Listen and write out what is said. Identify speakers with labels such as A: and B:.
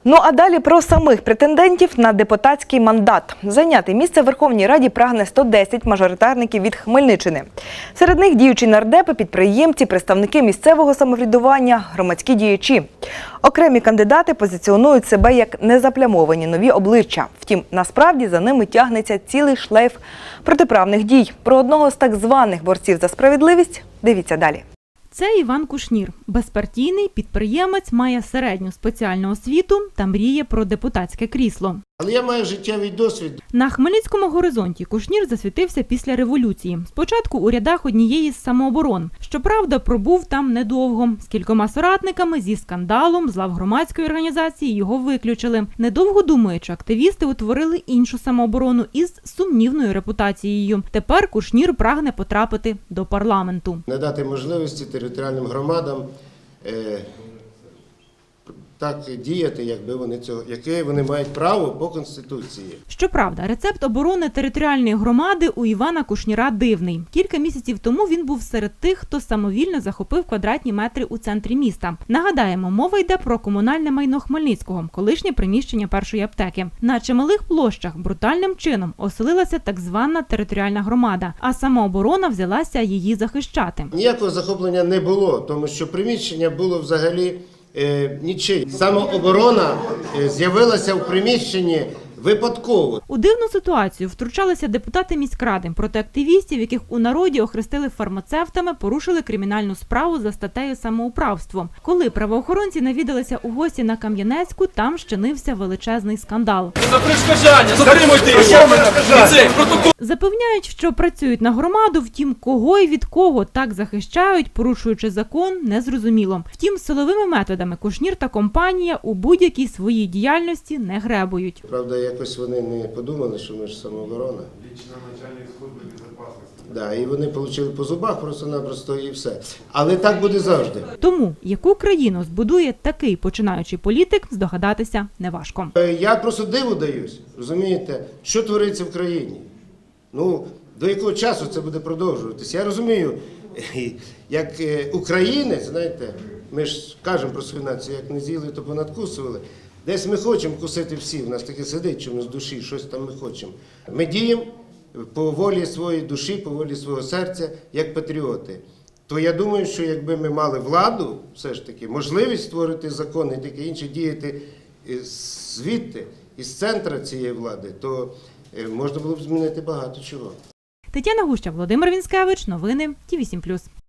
A: Ну а далі про самих претендентів на депутатський мандат. Зайняти місце в Верховній Раді прагне 110 мажоритарників від Хмельниччини. Серед них діючі нардепи, підприємці, представники місцевого самоврядування, громадські діячі. Окремі кандидати позиціонують себе як незаплямовані нові обличчя. Втім, насправді за ними тягнеться цілий шлейф протиправних дій. Про одного з так званих борців за справедливість дивіться далі.
B: Це Іван Кушнір. Безпартійний підприємець, має середню спеціальну освіту та мріє про депутатське крісло.
C: Але я маю життєвий досвід.
B: На Хмельницькому горизонті Кушнір засвітився після революції. Спочатку у рядах однієї з самооборон. Щоправда, пробув там недовго. З кількома соратниками зі скандалом з лав громадської організації його виключили. Недовго думаючи, активісти утворили іншу самооборону із сумнівною репутацією. Тепер Кушнір прагне потрапити до парламенту.
C: Надати можливості територіальним громадам так діяти, яке вони мають право по Конституції.
B: Щоправда, рецепт оборони територіальної громади у Івана Кушніра дивний. Кілька місяців тому він був серед тих, хто самовільно захопив квадратні метри у центрі міста. Нагадаємо, мова йде про комунальне майно Хмельницького, колишнє приміщення першої аптеки. На чималих площах брутальним чином оселилася так звана територіальна громада, а самооборона взялася її захищати.
C: Ніякого захоплення не було, тому що приміщення було взагалі нічиє. Самооборона з'явилася в приміщенні випадково.
B: У дивну ситуацію втручалися депутати міськради проти активістів, яких у народі охрестили фармацевтами, порушили кримінальну справу за статтею самоуправство. Коли правоохоронці навідалися у гості на Кам'янецьку, там щинився величезний скандал.
D: За перешкоджання! Затримуйте його!
B: Запевняють, що працюють на громаду, втім, кого і від кого так захищають, порушуючи закон, незрозуміло. Втім, силовими методами Кушнір та компанія у будь-якій своїй діяльності не гребують.
C: Правда, якось вони не подумали, що ми ж самооборона. Да, і вони отримали по зубах просто-напросто і все. Але так буде завжди.
B: Тому, яку країну збудує такий починаючий політик, здогадатися неважко.
C: Я просто диву даюсь, розумієте, що твориться в країні. Ну, до якого часу це буде продовжуватися? Я розумію, як українець, знаєте, ми ж кажемо про свою націю, як не з'їли, то понадкусували. Десь ми хочемо кусити всі, в нас таке сидить чомусь в душі, щось там ми хочемо. Ми діємо по волі своєї душі, по волі свого серця, як патріоти. То я думаю, що якби ми мали владу, все ж таки, можливість створити закони і таке інше, діяти звідти, із центру цієї влади, то можна було б змінити багато чого.
B: Тетяна Гуща, Володимир Вінськевич, новини ТІВІ 7+.